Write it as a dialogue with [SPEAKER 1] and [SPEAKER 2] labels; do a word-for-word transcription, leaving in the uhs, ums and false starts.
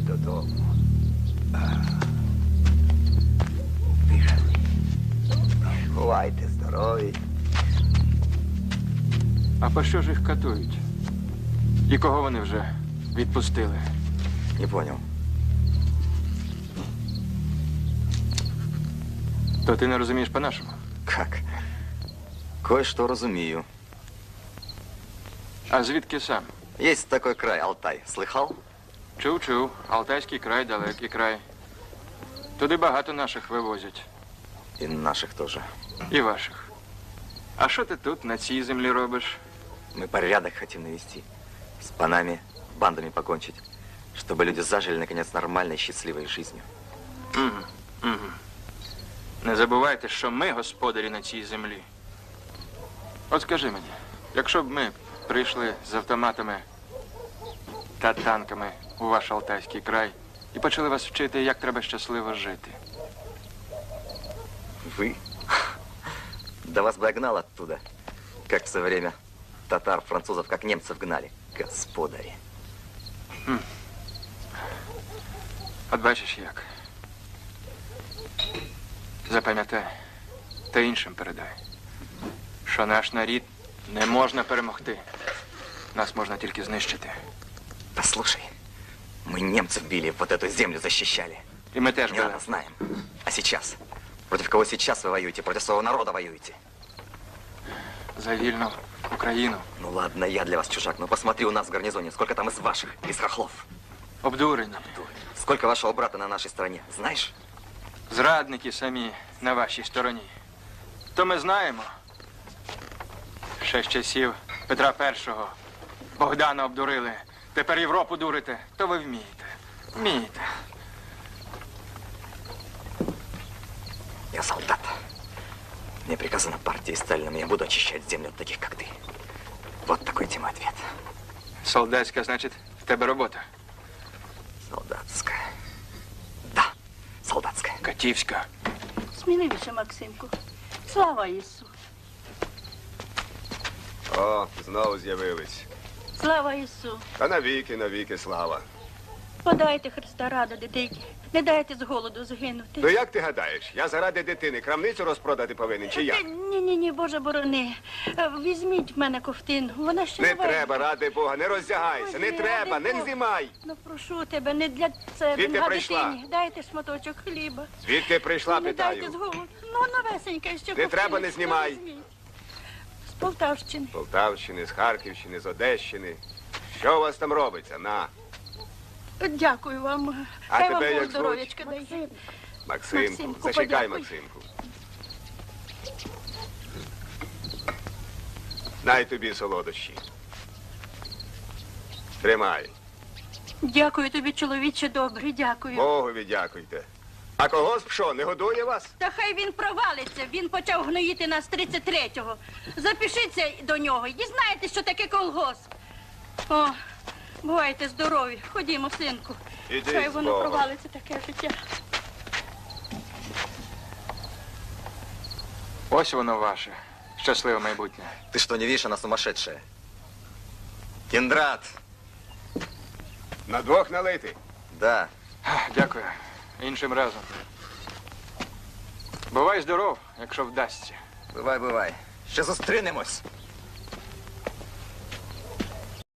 [SPEAKER 1] додому. Тише. Бувайте здорові.
[SPEAKER 2] А по що ж їх катують? І кого вони вже відпустили?
[SPEAKER 3] Не понял.
[SPEAKER 2] То ти не розумієш по-нашому?
[SPEAKER 3] Как? Кое-что разумею.
[SPEAKER 2] А звідки сам?
[SPEAKER 3] Есть такой край, Алтай. Слыхал?
[SPEAKER 2] Чув-чув. Алтайський край, далекий край. Туди багато наших вивозять.
[SPEAKER 3] И наших тоже.
[SPEAKER 2] І ваших. А що ти тут, на цій землі робиш?
[SPEAKER 3] Мы порядок хотим навести. С панами, бандами покончить. Чтобы люди зажили, наконец, нормальной, счастливой жизнью.
[SPEAKER 2] Угу, угу. Не забувайте, що ми господарі на цій землі. От скажи мені, якщо б ми прийшли з автоматами та танками у ваш Алтайський край і почали вас вчити, як треба щасливо жити.
[SPEAKER 3] Вы? Да вас бы гнал оттуда, как в свое время татар, французов, как немцев гнали. Господари.
[SPEAKER 2] Хм. От бачиш як. Запам'ятай, та іншим передай, що наш народ не можна перемогти. Нас можна тільки знищити.
[SPEAKER 3] Да слушай, мы немцев били, вот эту землю защищали.
[SPEAKER 2] І ми теж
[SPEAKER 3] Не
[SPEAKER 2] були.
[SPEAKER 3] рано знаем. А сейчас? Против кого сейчас вы воюете? Против своего народа воюете?
[SPEAKER 2] За вільну Україну.
[SPEAKER 3] Ну ладно, я для вас чужак, но посмотри у нас в гарнизоне, сколько там из ваших, из хохлов.
[SPEAKER 2] Обдурені.
[SPEAKER 3] Сколько вашего брата на нашей стороне, знаешь?
[SPEAKER 2] Зрадники самі на вашій стороні. То ми знаємо. Ще з часів Петра Першого. Богдана обдурили. Тепер Європу дурите. То ви вмієте. Вмієте.
[SPEAKER 3] Я солдат. Мне приказано партией Сталином, я буду очищать землю от таких, как ты. Вот такой тебе ответ.
[SPEAKER 2] Солдатська, значить, в тебе робота.
[SPEAKER 3] Солдатская. Да, солдатская.
[SPEAKER 2] Катівська.
[SPEAKER 4] Сміливіше, Максимку. Слава Ісу!
[SPEAKER 1] О, знову з'явились.
[SPEAKER 4] Слава Ісу!
[SPEAKER 1] Та навіки, навіки слава.
[SPEAKER 4] Подайте Христа рада, дитині. Не дайте з голоду згинути.
[SPEAKER 1] Ну як ти гадаєш, я заради дитини крамницю розпродати повинен, чи як?
[SPEAKER 4] Ні, ні, ні, Боже борони. Візьміть в мене ковтину. Вона ще
[SPEAKER 1] Не
[SPEAKER 4] новенька.
[SPEAKER 1] треба, ради Бога, не роздягайся, не
[SPEAKER 4] Ой,
[SPEAKER 1] треба,
[SPEAKER 4] ради
[SPEAKER 1] не
[SPEAKER 4] Бога.
[SPEAKER 1] знімай.
[SPEAKER 4] Ну, прошу тебе, не для себе,
[SPEAKER 1] Звідки
[SPEAKER 4] а
[SPEAKER 1] прийшла?
[SPEAKER 4] дитині. Дайте шматочок хліба.
[SPEAKER 1] Звідки прийшла,
[SPEAKER 4] Не дайте з
[SPEAKER 1] питаю.
[SPEAKER 4] голоду. Ну, новесенька ще
[SPEAKER 1] Не
[SPEAKER 4] ковтину.
[SPEAKER 1] треба, не знімай.
[SPEAKER 4] Візьміть. З Полтавщини.
[SPEAKER 1] З Полтавщини, з Харківщини, з Одещини. Що у вас там робиться? На.
[SPEAKER 4] Дякую вам.
[SPEAKER 1] А
[SPEAKER 4] Хай
[SPEAKER 1] тебе
[SPEAKER 4] вам
[SPEAKER 1] як
[SPEAKER 4] Бог здоров'ячка дає.
[SPEAKER 1] Максимку,
[SPEAKER 4] Максимку,
[SPEAKER 1] зачекай,
[SPEAKER 4] подякуй.
[SPEAKER 1] Максимку. Най тобі солодощі. Тримай.
[SPEAKER 4] Дякую тобі, чоловіче добрий, дякую.
[SPEAKER 1] Богові дякуйте. А колгосп що, не годує вас?
[SPEAKER 4] Та хай він провалиться, він почав гноїти нас тридцять третього. Запишіться до нього і дізнаєтесь, що таке колгосп. О, бувайте здорові. Ходімо, синку.
[SPEAKER 1] Іди
[SPEAKER 4] Хай
[SPEAKER 1] з
[SPEAKER 4] воно
[SPEAKER 1] Богом.
[SPEAKER 4] провалиться таке життя.
[SPEAKER 2] Ось воно ваше. Щасливе майбутнє.
[SPEAKER 3] Ты что, не видишь, она сумасшедшая? Кендрат!
[SPEAKER 1] На двох налити.
[SPEAKER 3] Да.
[SPEAKER 2] Дякую. Іншим разом. Бувай здоров, якщо вдасться.
[SPEAKER 3] Бывай, бывай. Ще зустрінемось.